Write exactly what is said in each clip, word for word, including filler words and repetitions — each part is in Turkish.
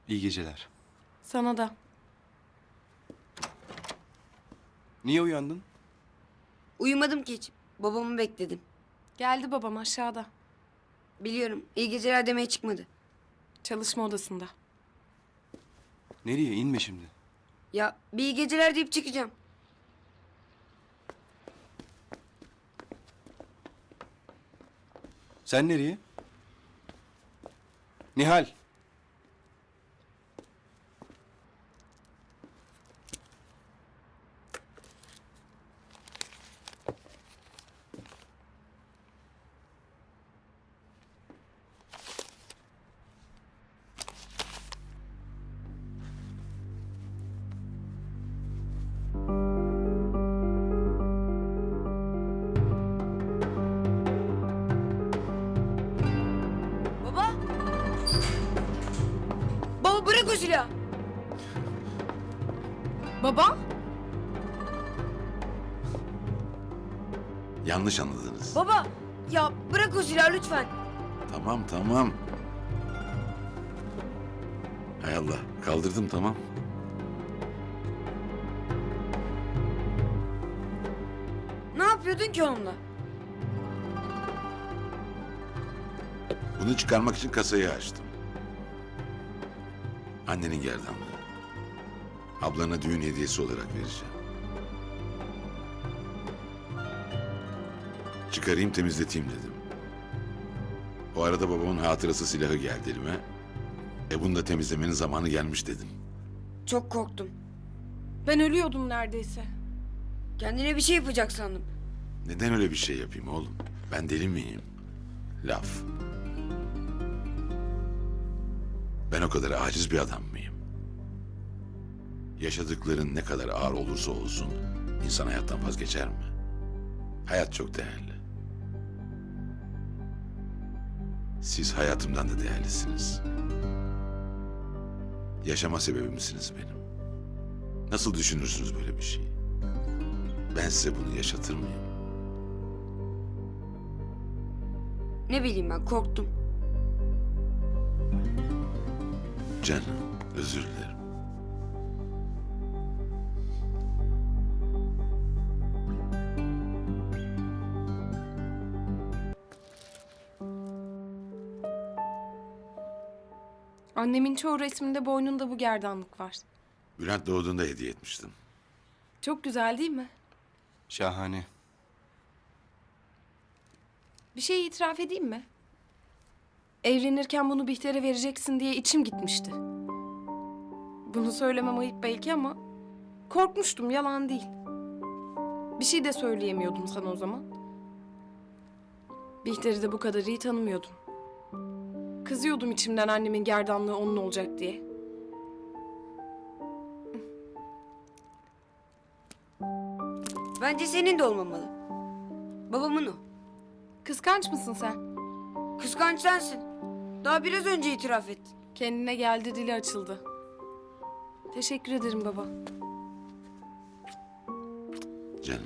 İyi geceler. Sana da. Niye uyandın? Uyumadım ki hiç. Babamı bekledim. Geldi babam aşağıda. Biliyorum. İyi geceler demeye çıkmadı. Çalışma odasında. Nereye? İnme şimdi. Ya bir iyi geceler deyip çıkacağım. Sen nereye? Nihal. Baba! Baba bırak o silahı! Baba? Yanlış anladınız. Baba! Ya bırak o silahı lütfen. Tamam tamam. Hay Allah, kaldırdım tamam. Ne yapıyordun ki onunla? Bunu çıkarmak için kasayı açtım. Annenin gerdanlığı. Ablana düğün hediyesi olarak vereceğim. Çıkarayım temizleteyim dedim. O arada babamın hatırası silahı geldi elime. E bunu da temizlemenin zamanı gelmiş dedim. Çok korktum. Ben ölüyordum neredeyse. Kendine bir şey yapacak sandım. Neden öyle bir şey yapayım oğlum? Ben deli miyim? Laf. Ben o kadar aciz bir adam mıyım? Yaşadıkların ne kadar ağır olursa olsun insan hayattan vazgeçer mi? Hayat çok değerli. Siz hayatımdan da değerlisiniz. Yaşama sebebimsiniz benim. Nasıl düşünürsünüz böyle bir şeyi? Ben size bunu yaşatır mıyım? Ne bileyim ben korktum. Canım, özür dilerim. Annemin çoğu resminde boynunda bu gerdanlık var. Bülent doğduğunda hediye etmiştim. Çok güzel değil mi? Şahane. Bir şey itiraf edeyim mi? Evlenirken bunu Bihter'e vereceksin diye içim gitmişti. Bunu söylemem ayıp belki ama korkmuştum, yalan değil. Bir şey de söyleyemiyordum sana o zaman. Bihter'i de bu kadar iyi tanımıyordum. Kızıyordum içimden annemin gerdanlığı onun olacak diye. Bence senin de olmamalı. Babamın o. Kıskanç mısın sen? Kıskanç sensin. Daha biraz önce itiraf ettin. Kendine geldi, dili açıldı. Teşekkür ederim baba. Canım.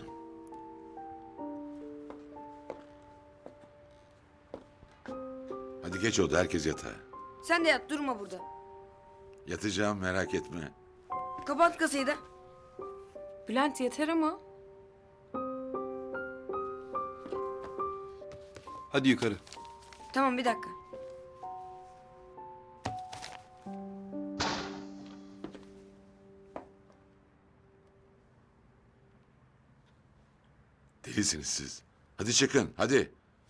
Hadi geç oldu, herkes yatağa. Sen de yat durma burada. Yatacağım, merak etme. Kapat kasayı da. Bülent yeter ama. Hadi yukarı. Tamam bir dakika. Delisiniz siz. Hadi çıkın, hadi.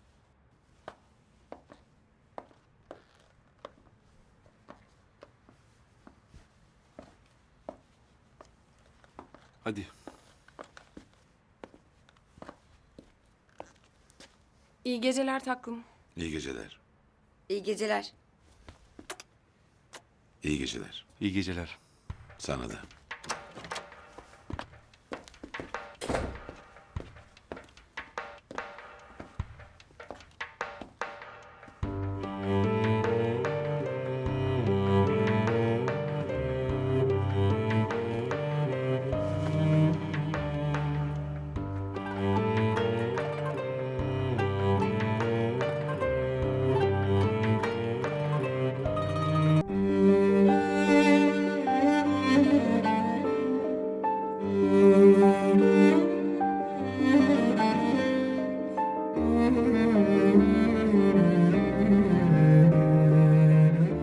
Hadi. İyi geceler taklım. İyi geceler. İyi geceler. İyi geceler. İyi geceler. Sana da.